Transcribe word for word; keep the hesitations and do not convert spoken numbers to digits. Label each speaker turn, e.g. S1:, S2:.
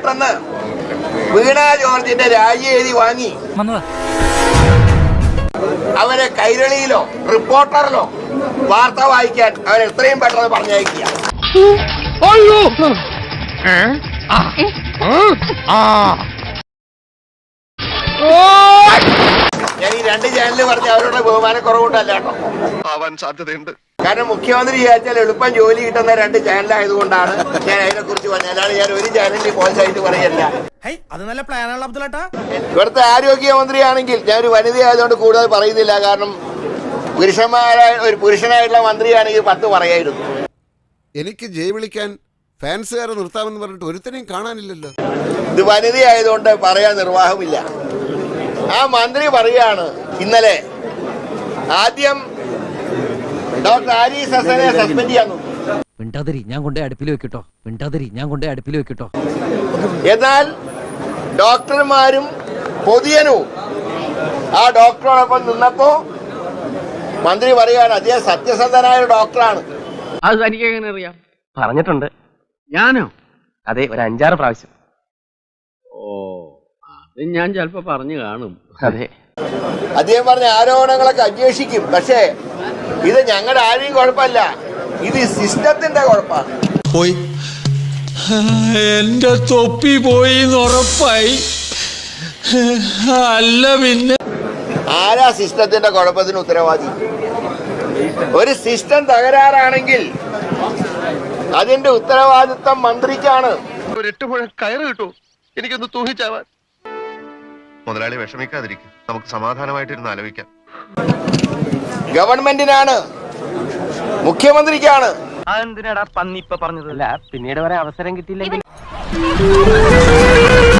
S1: പെട്ടെന്ന് വീണ ജോർജിന്റെ രാജി എഴുതി വാങ്ങി അവരെ കൈരളിയിലോ റിപ്പോർട്ടറിലോ വാർത്ത വായിക്കാൻ അവൻ എത്രയും പെട്ടെന്ന് പറഞ്ഞയക്കുക. ഞാൻ ഈ രണ്ട് ചാനലിൽ പറഞ്ഞ അവരുടെ ബഹുമാനക്കുറവുകൊണ്ടല്ല കേട്ടോ,
S2: ആവാൻ സാധ്യതയുണ്ട്.
S1: കാരണം മുഖ്യമന്ത്രി വിചാരിച്ചാൽ എളുപ്പം ജോലി കിട്ടുന്ന രണ്ട് ചാനലായതുകൊണ്ടാണ് ഞാൻ അതിനെ കുറിച്ച് പറഞ്ഞത്. അല്ലാതെ ഞാൻ ഒരു ചാനലിൽ മോശമായിട്ട് പറയല്ല.
S3: അത് നല്ല പ്ലാനാണ് അബ്ദുള്ളേട്ടാ.
S1: ഇവിടുത്തെ ആരോഗ്യമന്ത്രിയാണെങ്കിൽ ഞാൻ ഒരു വനിതയായതുകൊണ്ട് കൂടുതൽ പറയുന്നില്ല, കാരണം പുരുഷന്മാരായ ഒരു പുരുഷനായിട്ടുള്ള മന്ത്രിയാണെങ്കിൽ പത്ത് പറയായിരുന്നു.
S4: എനിക്ക് ജയ് വിളിക്കാൻ ഫാൻസുകാരെ നിർത്താമെന്ന് പറഞ്ഞിട്ട് ഒരുത്തനെയും കാണാനില്ലല്ലോ.
S1: ഇത് വനിതയായതുകൊണ്ട് പറയാൻ നിർവാഹമില്ല. ആ മന്ത്രി പറയാണ് ഇന്നലെ ആദ്യം ഡോക്ടർ ആരിസ് ഹസനെ സസ്പെൻഡ് ചെയ്യാൻ നോക്കി.
S5: മിണ്ടാതിരി, ഞാൻ കൊണ്ടേ അടുപ്പിൽ വെക്കട്ടോ. മിണ്ടാതിരി, ഞാൻ കൊണ്ടേ അടുപ്പിൽ വെക്കട്ടോ.
S1: എന്നാൽ ഡോക്ടർമാരും പൊതുജനവും ആ ഡോക്ടറോടൊപ്പം നിന്നപ്പോ മന്ത്രി പറയുകയാണ് അദ്ദേഹം സത്യസന്ധനായ ഒരു ഡോക്ടറാണ്.
S6: അത് തനിക്ക് എങ്ങനെ അറിയാം? പറഞ്ഞിട്ടുണ്ട്. ഞാനോ? അതെ, ഒരു അഞ്ചാറ് പ്രാവശ്യം. ഓ, അത് ഞാൻ ചിലപ്പോ പറഞ്ഞു കാണും. അതെ,
S1: അദ്ദേഹം പറഞ്ഞ ആരോപണങ്ങളൊക്കെ അന്വേഷിക്കും. പക്ഷേ ഇത് ഞങ്ങളുടെ ആരെയും കുഴപ്പമല്ല, ഇത് സിസ്റ്റത്തിന്റെ കുഴപ്പമാണ്.
S7: പോയി എന്റെ തൊപ്പി പോയി ഉറപ്പായി. അല്ല പിന്നെ
S1: ആരാ സിസ്റ്റത്തിന്റെ കുഴപ്പത്തിന് ഉത്തരവാദി? ഒരു സിസ്റ്റം തകരാറാണെങ്കിൽ അതിന്റെ ഉത്തരവാദിത്വം മന്ത്രിക്കാണ്.
S2: ഒരു എട്ട് മുഴ കയറ് കിട്ടൂ എനിക്കൊന്ന് തൂങ്ങിച്ചാവാൻ. മുതലാളി വിഷമിക്കാതിരിക്കും, നമുക്ക് സമാധാനമായിട്ടിരുന്ന് ആലോചിക്കാം.
S1: ഗവൺമെന്റിനാണ്, മുഖ്യമന്ത്രിക്കാണ്.
S6: അതെന്തിനാടാ പന്നി ഇപ്പൊ പറഞ്ഞത്? അല്ല, പിന്നീട് വരെ അവസരം കിട്ടിയില്ലെങ്കിൽ